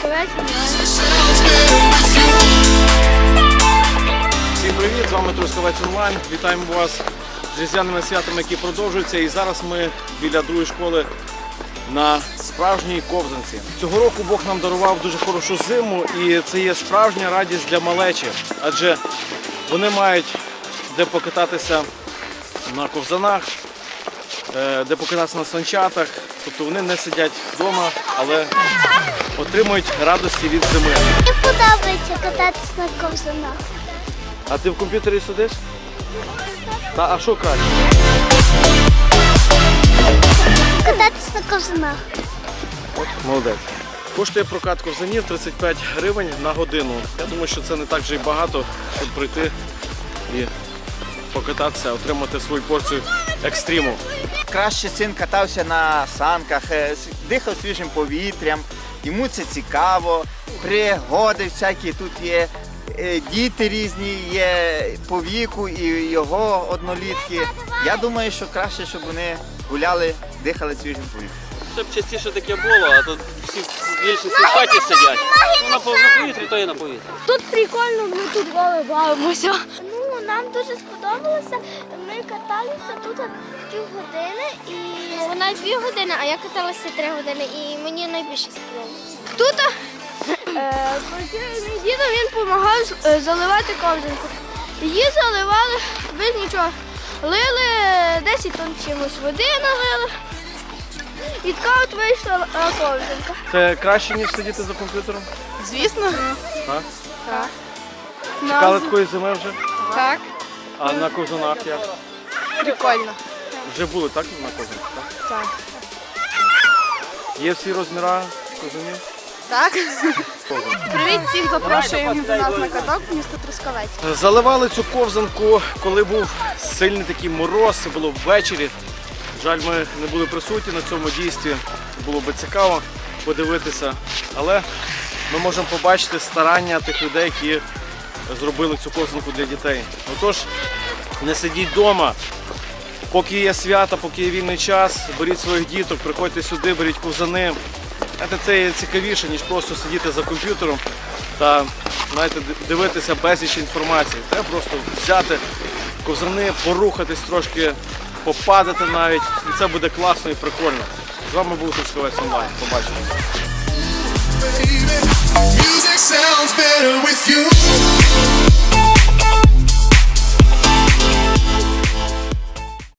Трускавець онлайн. Всім привіт! З вами Трускавець онлайн. Вітаємо вас з різдвяними святами, які продовжуються. І зараз ми біля другої школи на справжній ковзанці. Цього року Бог нам дарував дуже хорошу зиму, і це є справжня радість для малечі, адже вони мають де покататися на ковзанах, де покататися на санчатах. Тобто вони не сидять вдома, але отримують радості від зими. Мені подобається кататися на ковзанах. А ти в комп'ютері сидиш? А що краще? Кататися на ковзанах. Молодець. Коштує прокат ковзанів 35 гривень на годину. Я думаю, що це не так вже й багато, щоб прийти і покататися, отримати свою порцію екстриму. Краще син катався на санках, дихав свіжим повітрям, йому це цікаво, пригоди всякі тут є, діти різні є по віку і його однолітки. Я думаю, що краще, щоб вони гуляли, дихали свіжим повітрям. Щоб частіше таке було, а то всі більше в хаті сидять. Ну, на повітрі, то і на повітрі. Тут прикольно, ми тут голи бавимося. Ну, нам дуже сподобалося. Ми каталися тут півгодини і навіть 2 години, а я каталася 3 години і мені найбільше сподобалося. Тут мій дідо, він допомагав заливати ковзанку. Її заливали без нічого. Лили 10 тонн чимось води налили. І така от вийшла ковзанка. Це краще, ніж сидіти за комп'ютером? Звісно. Так? Так. Чекали такої зими вже? Так. А на ковзанах як? Прикольно. Вже були так на ковзанах? Так? Так. Є всі розміри ковзанів? Так. Привіт, всіх запрошуємо до нас на каток, місто Трускавець. Заливали цю ковзанку, коли був сильний такий мороз, це було ввечері. Жаль, ми не були присутні на цьому дійстві, було би цікаво подивитися, але ми можемо побачити старання тих людей, які зробили цю ковзанку для дітей. Отож, не сидіть вдома, поки є свята, поки є вільний час, беріть своїх діток, приходьте сюди, беріть ковзани. Це є цікавіше, ніж просто сидіти за комп'ютером та, знаєте, дивитися безліч інформації. Треба просто взяти ковзани, порухатись трошки, попадати навіть, і це буде класно і прикольно. З вами був Трускавець онлайн. Побачимось.